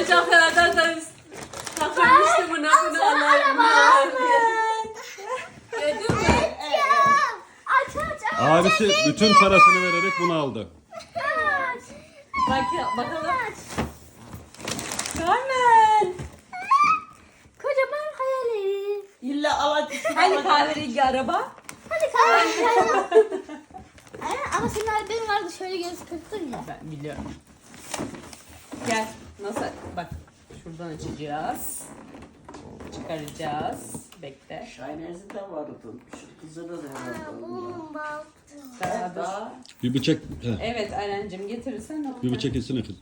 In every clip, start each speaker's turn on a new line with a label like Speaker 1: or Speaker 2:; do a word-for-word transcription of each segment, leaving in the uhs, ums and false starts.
Speaker 1: oyuncaklardan da takılmıştı buna bunu alalım. Gördün mü?
Speaker 2: Aç aç aç.
Speaker 3: Abisi bütün parasını vererek bunu aldı.
Speaker 2: Aç.
Speaker 1: Bak bakalım.
Speaker 2: Aç.
Speaker 1: Carmen.
Speaker 2: Kocaman hayali.
Speaker 4: İlla alacak.
Speaker 1: Hani kahverengi araba?
Speaker 2: Hadi kahve. Ama senin albüm vardı şöyle göz kırptın ya.
Speaker 1: Ben biliyorum. Gel. Nasıl? Bak şuradan açacağız. Çıkaracağız. Bekle.
Speaker 4: Şahinez'in de vardı. Şu kızı da herhalde.
Speaker 2: Bunun bal.
Speaker 1: Daha dur.
Speaker 4: Daha
Speaker 3: Bir bıçak, heh,
Speaker 1: Evet Ayrencim getirirsen.
Speaker 3: bir bıçak etsene kız.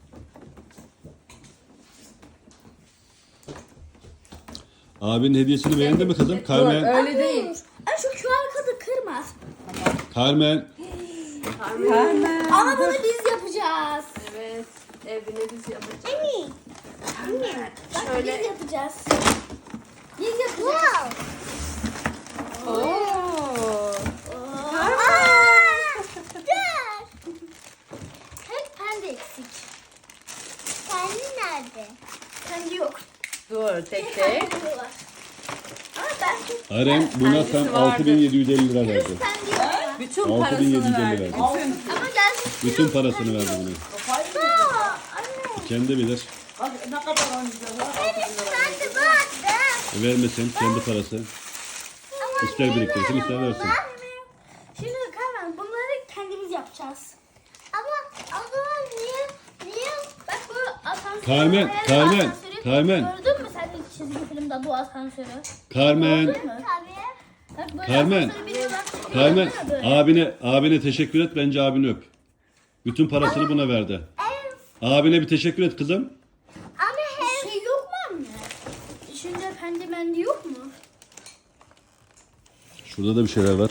Speaker 3: Abinin hediyesini beğendi mi kızım?
Speaker 1: Dur
Speaker 3: Carmen,
Speaker 1: öyle değil.
Speaker 2: Ay şu Q R kodu kırma.
Speaker 3: Carmen.
Speaker 1: Carmen.
Speaker 2: Ama bunu biz yapacağız.
Speaker 1: Evet. Evine biz yapacağız.
Speaker 2: Anne. Anne. Bak
Speaker 1: Şöyle-
Speaker 2: biz yapacağız. Biz yapacağız.
Speaker 1: Oo.
Speaker 2: Dur. Hep pembe eksik. Kendi nerede? Kendi yok.
Speaker 1: Dur tek tek.
Speaker 2: Kendi var. Ama ben
Speaker 3: Aren buna
Speaker 1: Kendisi
Speaker 3: tam
Speaker 1: vardı.
Speaker 3: altı bin yedi yüz elli lira verdi.
Speaker 2: kendi yok.
Speaker 1: Bütün
Speaker 3: altı bin yedi yüz
Speaker 1: parasını
Speaker 3: elli
Speaker 1: verdi.
Speaker 3: verdi.
Speaker 1: Bütün.
Speaker 2: Ama gelsin.
Speaker 3: Bütün parasını verdi buna.
Speaker 4: kafayı mı?
Speaker 2: Aa, anne.
Speaker 3: Kendi bilir.
Speaker 4: Bak ne kadar oynayacak var. altı bin lira.
Speaker 2: Kendi vardı.
Speaker 3: E, vermesin kendi parası.
Speaker 2: Ama
Speaker 3: İster
Speaker 2: ne
Speaker 3: biriktirsin,
Speaker 2: var?
Speaker 3: ister versin.
Speaker 2: Şimdi Carmen bunları kendimiz yapacağız. Ama o zaman niye niye bak bu asansör.
Speaker 3: Carmen,
Speaker 2: hayal
Speaker 3: Carmen,
Speaker 2: asansörü
Speaker 3: Carmen.
Speaker 2: Gördün mü sen ilk çizgi filmde bu asansörü?
Speaker 3: Carmen,
Speaker 2: Gördün mü? Tabii. Bak böyle
Speaker 3: Carmen.
Speaker 2: asansörü biniyorlar.
Speaker 3: Carmen,
Speaker 2: Gördün mü böyle?
Speaker 3: abine, abine teşekkür et, bence abini öp. Bütün parasını buna verdi.
Speaker 2: Evet.
Speaker 3: Abine bir teşekkür et kızım.
Speaker 2: Ama her şey yok mu anne? İçinde pendi mendi yok mu?
Speaker 3: Şurada da bir şeyler var.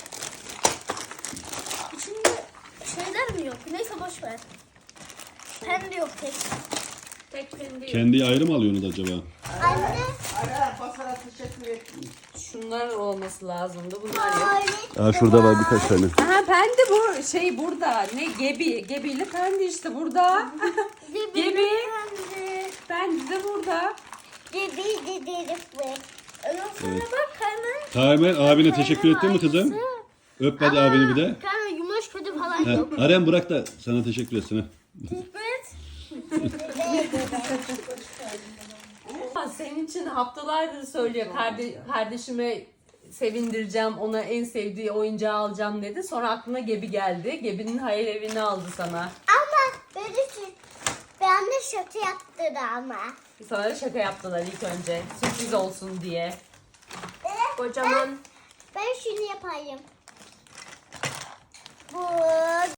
Speaker 2: İçinde şeyler mi yok? Neyse boş ver. Pendi yok tek.
Speaker 1: Tek kendi.
Speaker 3: Kendi ayrı mı alıyorsunuz acaba?
Speaker 2: Anne.
Speaker 4: Ara basara teşekkür ettim.
Speaker 1: Şunlar olması lazımdı. Bunlar yok.
Speaker 3: Aa, şurada var birkaç tane.
Speaker 1: Aha pendi bu şey burada. Ne gebi. Gebiyle pendi işte burada.
Speaker 2: Gibi.
Speaker 1: Gibi.
Speaker 2: Pendi.
Speaker 1: Pendi de burada.
Speaker 2: Gibi dedim bu. Ondan sonra bak Carmen.
Speaker 3: Carmen abine teşekkür ettin mi kızım? Öp hadi abini bir de.
Speaker 2: Carmen yumuş kötü falan
Speaker 3: Ha,
Speaker 2: yok.
Speaker 3: Aren bırak da sana teşekkür etsin. ha.
Speaker 2: Teşekkür et.
Speaker 1: Ama senin için haftalardır söylüyor. Karde kardeşime sevindireceğim. Ona en sevdiği oyuncağı alacağım dedi. Sonra aklına Gebi geldi. Gebi'nin hayal evini aldı sana.
Speaker 2: Ama böyle şey, ben de şaka yaptı ama.
Speaker 1: Sana da şaka yaptılar ilk önce. Sürpriz olsun diye. Kocaman.
Speaker 2: Ben şunu yapayım. Bu